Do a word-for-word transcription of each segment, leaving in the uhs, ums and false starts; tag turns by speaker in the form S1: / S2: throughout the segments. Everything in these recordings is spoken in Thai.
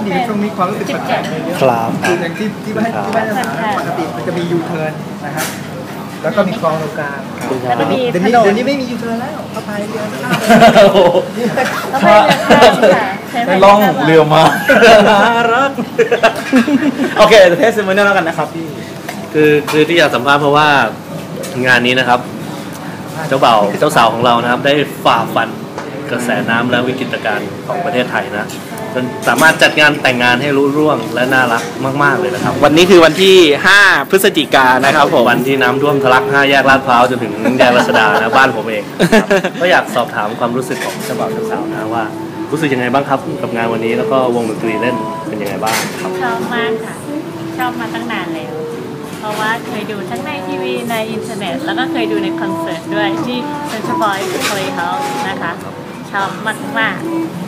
S1: ดีช่วงนี้ความรู้สึกแปลกๆเยอะครับคืออย่างที่ที่บ้านที่บ้านปกติมันจะมียูเทิร์นนะครับแล้วก็มีคลองตรงกลางเดี๋ยวนี้เดี๋ยวนี้เดี๋ยวนี้ไม่มียูเทิร์นแล้วเขาพายเรือข้ามเขาพายเรือข้ามค่ะไปล่องเรือมาน่ารักโอเคเทสมันนี่แล้วกันนะครับพี่
S2: คือคือที่อยากสัมภาษณ์เพราะว่างานนี้นะครับเจ้าบ่าวเจ้าสาวของเรานะครับได้ฝ่าฟันกระแสน้ำและวิกฤตการณ์ของประเทศไทยนะจนสามารถจัดงานแต่งงานให้รุ่ร่วงและน่ารักมากๆเลยนะครับ
S3: วันนี้คือวันที่ห้าพฤศจิกายนนะครับผม
S2: วันที่น้ำท่วมทะลักห้าแยกลาดพร้าวจนถึงแยกรัชดานะบ้านผมเองก็อยากสอบถามความรู้สึกของเจ้าบ่าวเจ้าสาวนะว่ารู้สึกยังไงบ้างครับกับงานวันนี้แล้วก็วงดนตรีเล่นเป็นยังไงบ้างครับ
S4: ชอบมากค่ะชอบมาตั้งนานแล้วเพราะว่าเคยดูทั้งในทีวีในอินเทอร์เน็ตแล้วก็เคยดูในคอนเสิร์ตด้วยที่เซนทรัลบอยซ์เพลย์เฮาส์นะคะชอบมากมาก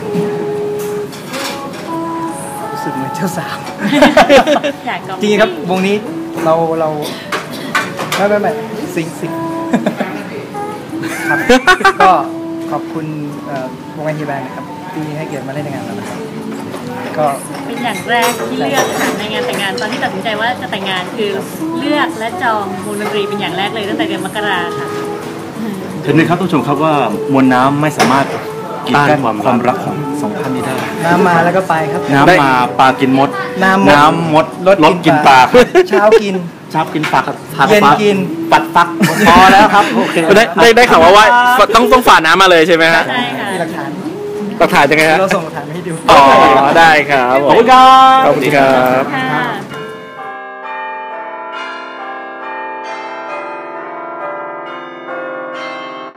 S1: รู้สึกเหมือนเจ้าสาวจริงครับวงนี้เราเราไม่ไม่ไม่สิงสิงครับก็ขอบคุณวงไอทีแบงค์นะครับที่ให้เกียรติมาเล่นในงานเรานะครับก็
S4: เป็นอย่างแรกที่เลือกค่ะในงานแต่งงานตอนที่ตัดสินใจว่าจะแต่งงานคือเลือกและจองวงดนตรีเป็นอย่างแรกเลยตั้งแต่เดือนมกราค่ะ
S5: เห็นไหมครับทุกชมครับว่ามวลน้ำไม่สามารถกีดกันความรักของสองท่านนี้ได้
S1: น้ำมาแล้วก็ไปครับ
S5: น้ำมาปลากินมด
S1: น้ำ
S5: น้ำมดรถกินปลา
S1: เช้ากิน
S5: เช้ากินปลา
S1: เย็นกิน
S5: ปัดฟักพอแล้วครับโอเค
S3: ได้ได้ได้ข่าวว่าว่าต้องต้องฝ่าน้ำมาเลยใช่ไหมฮะ
S4: ใช่ค่ะ
S1: มีหลักฐาน
S3: หลักฐานยังไงฮะ
S1: เราส่งหลักฐานให้ดู
S3: อ๋อได้ครับ
S5: ขอบคุณครับ
S3: ขอบคุณครับ